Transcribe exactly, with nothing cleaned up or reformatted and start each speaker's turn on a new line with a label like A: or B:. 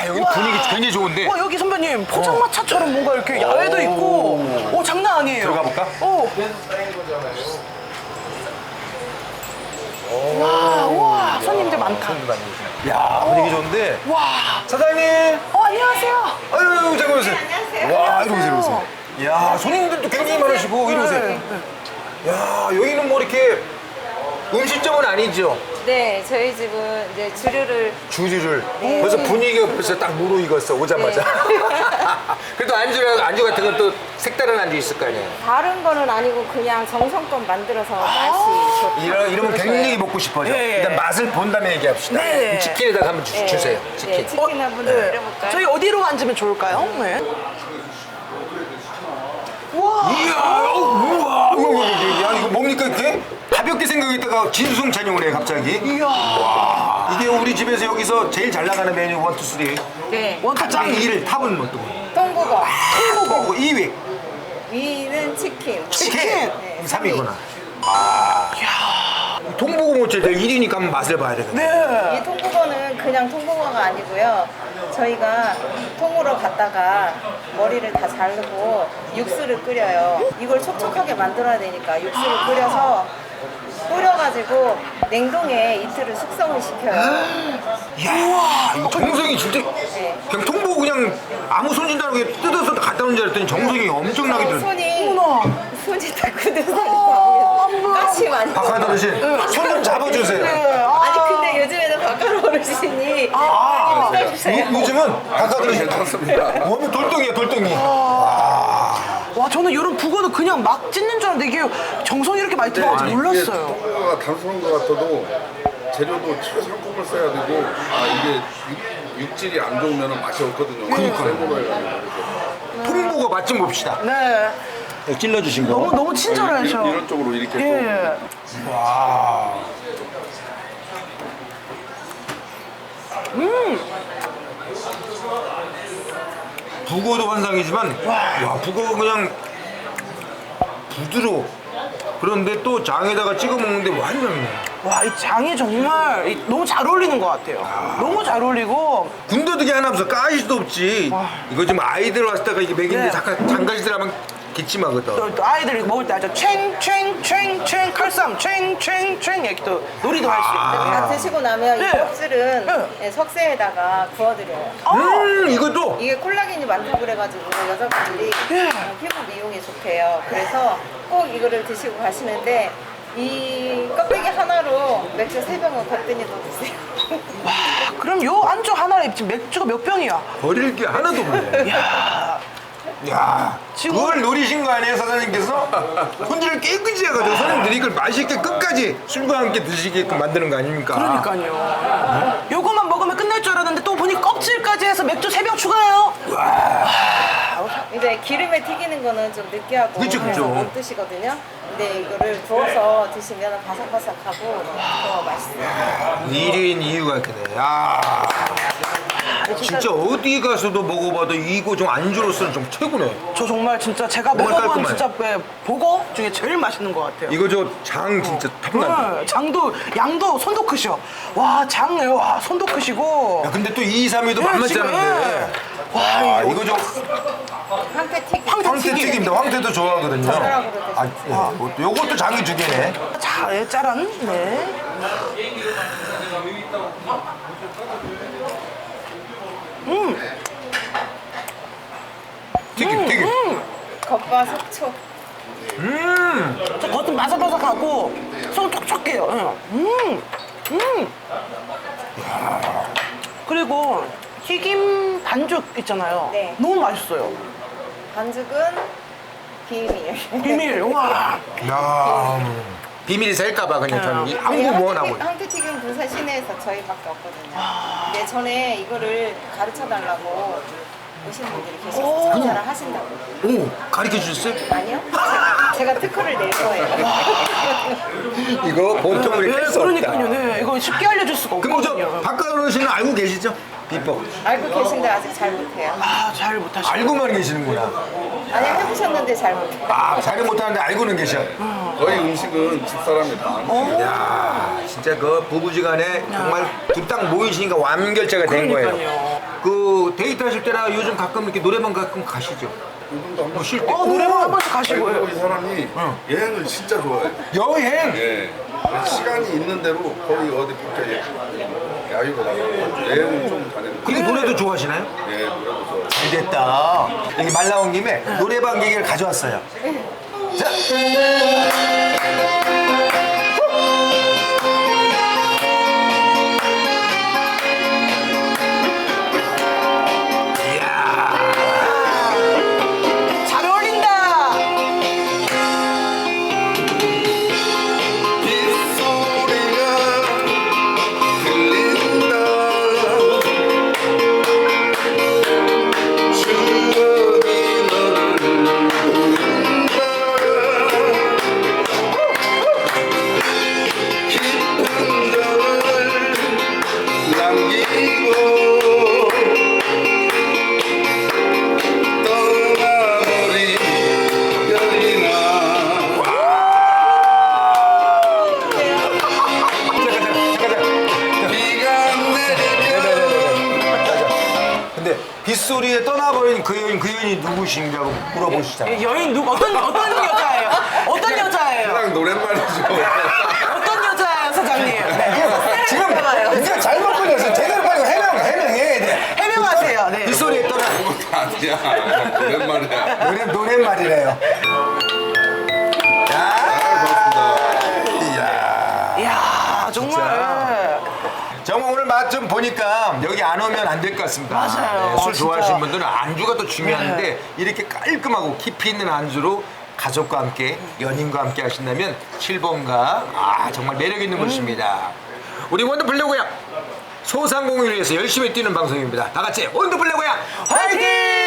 A: 여기 분위기 굉장히 좋은데.
B: 와, 여기 선배님 포장마차처럼 뭔가 이렇게 야외도 있고, 오, 장난 아니에요.
A: 들어가 볼까?
B: 오. 와, 와, 손님들 많다.
A: 야, 분위기 좋은데.
B: 와,
A: 사장님.
B: 어, 안녕하세요.
A: 아유, 잠깐 오세요. 와, 이리 오세요, 이리 오세요. 야, 손님들도 굉장히 많으시고, 이리 오세요.
B: 네, 네.
A: 야, 여기는 뭐 이렇게 음식점은 아니죠?
C: 네, 저희 집은 이제 주류를
A: 주주를. 벌써 분위기가 벌써 딱 무르익었어, 오자마자. 그래도 안주, 안주 같은 건 또 색다른 안주 있을 거 아니에요?
C: 다른 거는 아니고 그냥 정성껏 만들어서 맛이 좋다.
A: 이러, 이러면 굉장히 먹고 싶어져.
B: 예, 예.
A: 일단 맛을 본 다음에 얘기합시다.
B: 네.
A: 이 치킨에다가 한번 주,
C: 네.
A: 주세요.
C: 네,
A: 치킨.
C: 치킨 한번
B: 네.
C: 드려볼까요?
B: 저희 어디로 앉으면 좋을까요? 네. 우와.
A: 이야, 어, 우와, 우와, 야, 이거 뭡니까, 이렇게? 가볍게 생각했다가 진수성 찬용을 해, 갑자기.
B: 이야.
A: 이게 우리 집에서 여기서 제일 잘 나가는 메뉴 원, 투, 쓰리.
C: 네.
A: 가장 일 위 탑은 뭐 또?
C: 통국어.
A: 통보고 이 위.
C: 위는 치킨.
A: 치킨.
C: 네,
A: 삼 위구나. 아. 통보고 모찌 일 위니까 한번 맛을 봐야 되겠네.
B: 네.
C: 이 통국어는 그냥 통국어가 아니고요. 저희가 통으로 갔다가 머리를 다 자르고 육수를 끓여요. 이걸 촉촉하게 만들어야 되니까 육수를 끓여서 뿌려가지고 냉동에 이틀을 숙성을 시켜요.
A: 이야, 이거 정성이 진짜.
C: 네.
A: 그냥 통보고 그냥 아무 손질도 안 하고 그냥 뜯어서 갖다 놓은 줄 알았더니 정성이 엄청나게 들어.
C: 손이
B: 어머나.
C: 손이 다 굳은 살이
B: 어,
C: 다 가시 많이.
A: 박하도 어르신, 손 좀 잡아주세요.
B: 네. 아.
C: 아니 근데 요즘에는 박가루 어르신이
A: 아,
C: 많이 뜯어주세요.
A: 요- 요즘은 박하도 어르신 탔습니다. 몸이 돌덩이야, 돌덩이.
B: 와, 저는 이런 북어는 그냥 막 찢는 줄 알았는데 이게 정성이 이렇게 많이 들어갈지 몰랐어요.
D: 통과가 단순한 것 같아도 재료도 최상품을 써야 되고 아 이게 육, 육질이 안 좋으면 맛이 없거든요.
A: 그러니까요.
D: 생으로 해가지고
A: 통보고 맛 좀 봅시다.
B: 네.
A: 찔러주신 거.
B: 너무 너무 친절하셔.
D: 이런 쪽으로 이렇게 또
B: 예.
A: 와. 북어도 환상이지만, 와, 북어 그냥 부드러워. 그런데 또 장에다가 찍어 먹는데 완전히
B: 와, 이 장이 정말 이- 너무 잘 어울리는 것 같아요. 너무 잘 어울리고.
A: 군더더기 하나 없어. 가시도 없지. 이거 지금 아이들 왔을 때가 이게 먹이는데
B: 네.
A: 잠깐 장가시들 하면 기침하거든.
B: 또, 또 아이들이 먹을 때 아주 챙챙챙챙 칼쌈 챙챙챙 이렇게 또 놀이도 할 수 있고.
C: 다 드시고 나면
B: 네.
C: 이 껍질은
B: 네.
C: 네, 석쇠에다가 구워드려요.
A: 음, 이것도
C: 이게 콜라겐이 많다고 그래가지고 여자분들이
B: 네.
C: 어, 피부 미용에 좋대요. 그래서 꼭 이거를 드시고 가시는데 이 껍데기 하나로 맥주 세 병은 거뜬히 더 드세요.
B: 와, 그럼 요 안주 하나에 지금 맥주가 몇 병이야?
A: 버릴 게 하나도 없네.
B: 야,
A: 야,
B: 지금-
A: 그걸 노리신 거 아니에요, 사장님께서? 손질을 깨끗이 해가지고 손님들이 이걸 맛있게 끝까지 술과 함께 드시게끔 만드는 거 아닙니까?
B: 그러니까요. 요거만 먹으면 끝날 줄 알았는데 또 보니 껍질까지 해서 맥주 세 병 추가해요.
C: 이제 기름에 튀기는 거는 좀 느끼하고
A: 그쵸,
C: 그래서
A: 그쵸.
C: 못 드시거든요. 근데 이거를 구워서 드시면 바삭바삭하고 더 맛있어요.
A: 일 위인 이유가 이렇게 돼. 야, 진짜 어디 가서도 먹어봐도 이거 좀 안주로서는 좀 최고네.
B: 저 정말 진짜 제가
A: 정말
B: 먹어본
A: 깔끔해.
B: 진짜 네, 보고 중에 제일 맛있는 것 같아요.
A: 이거 저 장 진짜 탑난다.
B: 네, 장도 양도 손도 크셔. 와, 장, 와, 손도 크시고.
A: 야, 근데 또 이, 삼 위도
B: 네,
A: 만만치
B: 지금,
A: 않은데.
B: 와,
A: 아,
B: 이거
A: 이거 저
C: 황태 튀김.
A: 황태 튀김인데 황태도 좋아하거든요.
C: 젓가락으로 드세요.
A: 아, 예, 이것도, 요것도 장이 두 개네.
B: 자, 예, 짜란. 네.
A: 튀김, 튀김.
C: 겉바 속촉.
A: 음,
B: 저 겉은 바삭바삭하고 속은 촉촉해요. 예. 음, 음. 그리고 튀김 반죽 있잖아요.
C: 네.
B: 너무 맛있어요.
C: 반죽은 비밀.
B: 비밀. 와.
A: 야, 음. 비밀이 셀까봐 그냥 저는 이
C: 아니,
A: 한국 뭐 나고.
C: 황태- 황태튀김 군산 시내에서 저희밖에 없거든요. 근데 전에 이거를 가르쳐 달라고 오신 분들이
B: 오.
C: 계셔서 장사를 하신다고.
A: 오, 가르쳐 주셨어요?
C: 아니요? 제가, 제가 특허를 낼 거예요.
A: 이거 보통으로
B: 네,
A: 이렇게 할수
B: 그러니까요.
A: 없다.
B: 네, 이거 쉽게 알려줄 수가
A: 그럼 저
B: 없거든요.
A: 박가루 씨는 알고 계시죠? 비법.
C: 알고 계신데 아직 잘 못해요.
B: 아, 잘 못하시고.
A: 알고만 계시는구나.
C: 아니 해보셨는데 잘 못해요.
A: 아, 잘은 못하는데 알고는 계셔.
D: 거의 음식은 집사람이 다 하는
A: 야, 진짜 그 부부지간에 정말 두 딱 모이시니까 완결체가 된 거예요.
B: 그러니까요.
A: 그 기타 칠 때나 요즘 가끔 이렇게 노래방 가끔 가시죠?
D: 요즘도 한번
A: 쉴 때.
B: 어, 노래방 한 번씩
D: 아이고,
B: 가시고요.
D: 이 사람이 여행을 진짜 좋아해.
A: 여행.
D: 예. 시간이 있는 대로 거의 어디 밖에 야유가 나가고 여행을 좀 다니는.
A: 근데 노래도 좋아하시나요?
D: 예, 노래도 좋아해.
A: 잘 됐다. 여기 말 나온 김에 노래방 얘기를 가져왔어요. 자.
B: 잘 어울린다.
D: 빗소리가 들린다. 추억이 너를 부른다. 깊은 정을 남기고 떠나버린 별이나. 비가 내리면
A: 근데 빗소리에 떠나버린 그 여인, 그 여인이 누구신가고 물어보시잖아요.
B: 여인 누구 어떤 어떤 여자예요? 어떤 여자예요?
D: 그냥 노랫말이죠.
B: 어떤 여자예요, 사장님? 네.
A: 지금
B: 해봐요.
A: 이제 잘못 걸려서 제대로 빨리 해명, 해명해야 돼.
B: 해명하세요. 네.
A: 빗소리에 떠나
D: 그것도 아니야. 노랫말이야.
A: 노래, 노랫말이래요. 야,
D: 고맙습니다.
A: 이야.
B: 이야, 정말.
A: 정말 오늘 맛 좀 보니까 여기 안 오면 안 될 것 같습니다.
B: 맞아요.
A: 술
B: 진짜.
A: 좋아하시는 분들은 안주가 또 중요한데 이렇게 깔끔하고 깊이 있는 안주로 가족과 함께 연인과 함께 하신다면 칠 번가 아 정말 매력 있는 곳입니다. 우리 원더풀 레고야 소상공인을 위해서 열심히 뛰는 방송입니다. 다 같이 원더풀 레고야 화이팅!